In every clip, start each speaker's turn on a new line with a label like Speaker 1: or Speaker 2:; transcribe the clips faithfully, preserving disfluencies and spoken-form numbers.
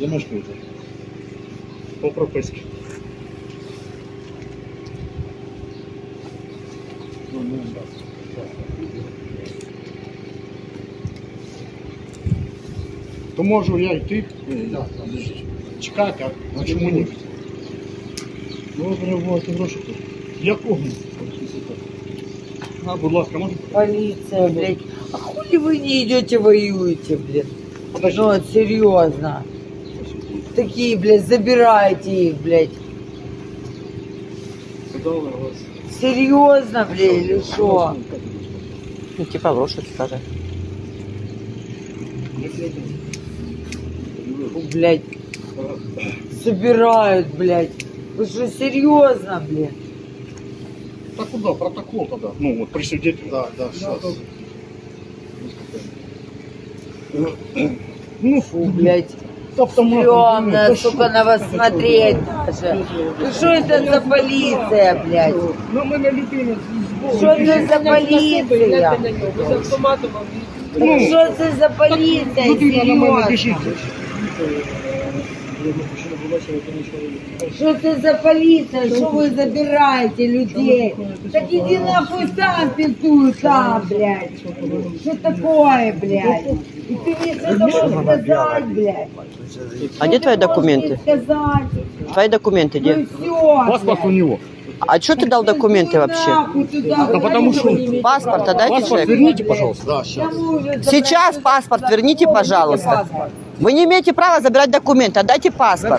Speaker 1: Де мешкаєте? По прописці. То можу я йти, чекати, а чому ні? Добре, вот, гроші тут. Якого? А, будь ласка, можете?
Speaker 2: Полиция, блядь. А хули вы не идете воюете, блядь? Ну, вот, серьезно. Такие, блядь, забирайте их, блядь. Серьезно, блядь, или что?
Speaker 3: Ну, типа лошадь скажи.
Speaker 2: Блядь. Собирают, блядь. Вы что, серьезно, блядь?
Speaker 1: Так куда? Протокол тогда. Ну, вот при свидетеле. Да, да, сейчас.
Speaker 2: Ну, фу, блядь.
Speaker 1: Автомат.
Speaker 2: Стрёмно, сука, на вас смотреть даже. Ну что это за полиция, блядь?
Speaker 1: Ну, мы на людину.
Speaker 2: Что это за полиция? Ну, что это за полиция,
Speaker 1: Людина на мене біжить.
Speaker 2: серьезно? Что это за полиция? Что вы забираете людей? Так иди нахуй сам пиздуй сам, блядь. Что такое, блядь? И ты мне что-то можешь сказать, блядь?
Speaker 3: А где твои документы?
Speaker 2: Сказать.
Speaker 3: Твои документы
Speaker 2: Ну
Speaker 3: где?
Speaker 2: все,
Speaker 1: Паспорт у него.
Speaker 3: А что ты дал документы вообще?
Speaker 1: Да потому что...
Speaker 3: Паспорт отдайте
Speaker 1: Паспорт
Speaker 3: человеку.
Speaker 1: верните, пожалуйста. Да, сейчас.
Speaker 3: Сейчас паспорт верните, пожалуйста. Вы не имеете права забирать документы, отдайте паспорт.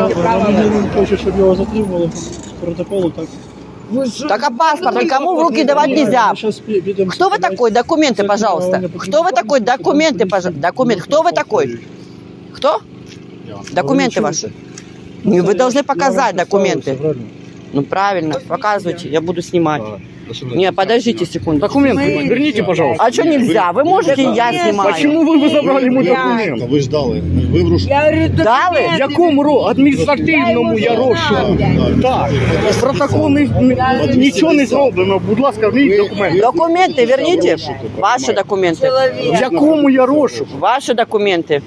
Speaker 1: Хочет, чтобы его затримали протоколу, так.
Speaker 3: Так а паспорт никому в руки давать нельзя. Кто вы такой? Документы, пожалуйста. Кто вы такой? Документы, пожалуйста. Документ. Кто вы такой? Кто? Документы ваши. Не, вы должны показать документы. Ну правильно, показывайте, я буду снимать. Не, подождите секунду.
Speaker 1: Документы верните, пожалуйста.
Speaker 3: А что нельзя? Вы можете, я снимаю.
Speaker 1: Почему вы, вы забрали мой документ?
Speaker 4: Ви ж дали. Ви в руш...
Speaker 2: Я говорю,
Speaker 3: Дали?
Speaker 1: Якому ро? Адміністративному я розшуку. Так. Протокол не, не, нічого не зроблено. Будь ласка, верніть документи.
Speaker 3: Документы верните. Ваши документы.
Speaker 1: В якому я розшуку?
Speaker 3: Ваши документы.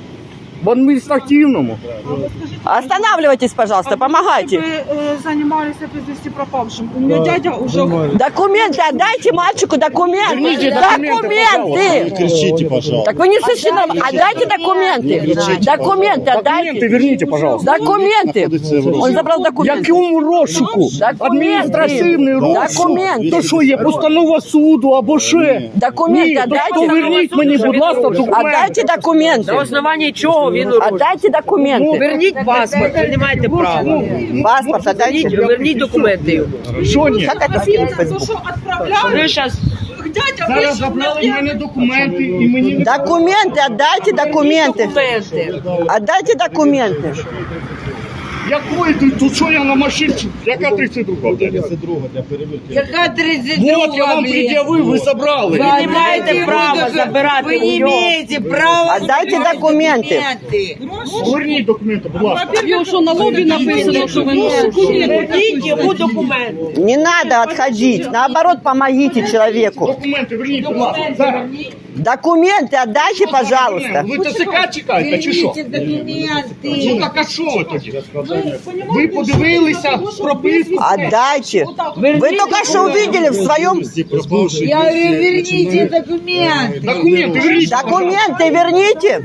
Speaker 1: В адміністративному.
Speaker 3: Останавливайтесь, пожалуйста, помогайте.
Speaker 5: Вы э, занимались безвести пропавшим. У меня дядя уже...
Speaker 3: Документы отдайте мальчику, документы.
Speaker 1: Верните документы,
Speaker 3: Документы.
Speaker 4: Кричите, пожалуйста.
Speaker 3: Так вы не слышите, отдайте документы. Документы
Speaker 1: Документы
Speaker 3: отдайте.
Speaker 1: верните, пожалуйста.
Speaker 3: Документы. Он забрал
Speaker 1: В
Speaker 3: документы.
Speaker 1: якому розшуку? Адміністративний розшук.
Speaker 3: Документи.
Speaker 1: То що є постанова суду або ще?
Speaker 3: Документы
Speaker 1: Ні, то
Speaker 3: отдайте.
Speaker 1: верніть мені, будь ласка, документи.
Speaker 3: Отдайте документы.
Speaker 6: На основании чего він урушив?
Speaker 3: Отдайте документы.
Speaker 6: Верніть паспорт, ви не маєте права.
Speaker 3: Паспорт отдайте.
Speaker 6: Верніть документи його.
Speaker 1: Що ні?
Speaker 3: Как это скинуть в
Speaker 5: То,
Speaker 3: Facebook?
Speaker 5: что отправляли,
Speaker 6: Ви зараз
Speaker 5: дядя
Speaker 1: Зараз
Speaker 5: вышел
Speaker 1: забрали в
Speaker 5: на
Speaker 1: мене документи і мені не...
Speaker 3: Документы отдайте, документы.
Speaker 6: документи.
Speaker 3: Отдайте документы.
Speaker 1: Якої ти? Тут що я на машині? Яка тридцять друга?
Speaker 4: тридцять друга для перевірки.
Speaker 2: Яка тридцять
Speaker 1: Вот, я вам пред'явив, ви забрали.
Speaker 2: Вы
Speaker 6: не маєте права забирати
Speaker 2: Вы
Speaker 6: у
Speaker 2: не
Speaker 6: нього.
Speaker 2: имеете права
Speaker 3: Отдайте
Speaker 2: забирать
Speaker 3: документы.
Speaker 2: документы.
Speaker 1: Верніть документи, будь ласка.
Speaker 5: Во-первых, что на лобі написано, що ви
Speaker 6: Верніть йому документи.
Speaker 3: Не надо отходить. Наоборот, помогите человеку.
Speaker 1: Документи верніть, будь ласка. Зараз.
Speaker 3: Документы отдайте, пожалуйста.
Speaker 1: Ви ТЦК чекаєте, чи що?
Speaker 2: Верните документы.
Speaker 1: Ну так а що ви тоді? Ви подивилися прописку?
Speaker 3: Отдайте. Вы только что увидели в своем...
Speaker 2: Я говорю, верните документы.
Speaker 1: Документи верніть.
Speaker 3: Документы верните.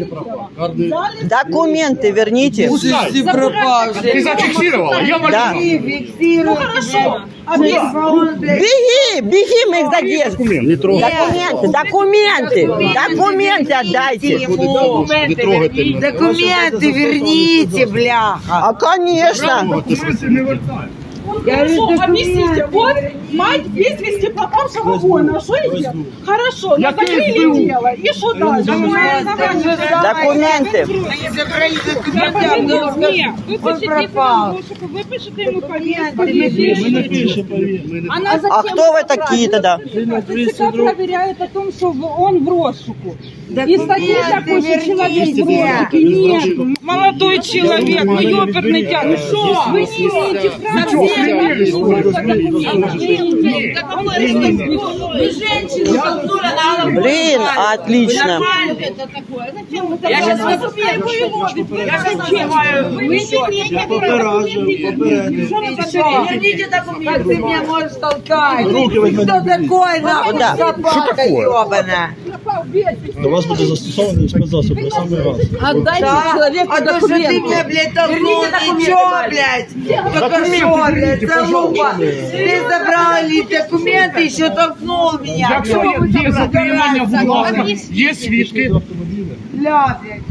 Speaker 3: Документы верните.
Speaker 1: Пускай. Ти
Speaker 2: пропавший.
Speaker 1: зафіксувала? Я вас
Speaker 3: Да.
Speaker 2: Фиксируйте, блядь. Телефон, блядь.
Speaker 3: Беги, беги, мы их задержим.
Speaker 1: документ. Не трогай.
Speaker 3: Документы, документы, документы отдайте.
Speaker 4: Не трогайте мене.
Speaker 2: Документы верните, бляха.
Speaker 3: А, конечно.
Speaker 1: Документи не вертай.
Speaker 2: Я говорю,
Speaker 5: Хорошо,
Speaker 2: документы
Speaker 5: объясните, вот
Speaker 2: верните.
Speaker 5: мать без вести пропавшего воина, что сделать? Хорошо,
Speaker 1: Я
Speaker 5: но закрыли
Speaker 1: пиздую.
Speaker 5: дело, и что дальше?
Speaker 3: Документы.
Speaker 2: Они забрали документы, а он
Speaker 5: Нет, вы
Speaker 2: Он
Speaker 5: пишете
Speaker 2: пропал.
Speaker 5: ему, вы пишете ему
Speaker 2: Документы
Speaker 5: повестку.
Speaker 1: Ми не пишемо, повір.
Speaker 5: Она
Speaker 3: А
Speaker 5: затем
Speaker 3: кто вы такие тогда?
Speaker 5: ТЦК проверяет о том, что в- он в розшуку. И
Speaker 2: Документы
Speaker 5: статьи такой, что человек в
Speaker 2: верните.
Speaker 5: розшуке. Нет, молодой человек, ну ёперный тян, что? Вы не имеете права.
Speaker 2: Вы женщину толкнули на голову.
Speaker 3: Блин, отлично.
Speaker 6: Я сейчас я сейчас чекаю.
Speaker 2: Верните документы. Как ты меня можешь толкать? Кто такой, нахуй,
Speaker 3: Да.
Speaker 2: собака ебаная?
Speaker 7: До вас буде застосований спецзасоб на самий раз.
Speaker 2: Отдайте человеку а документы. А то, что ты меня, блядь, толкнул, ничего, блядь. Только что, блядь, залупа. Ты забрал ли документы, еще толкнул меня.
Speaker 1: Якщо є, є затримання, будь ласка, є свідки.
Speaker 2: Бля, блядь.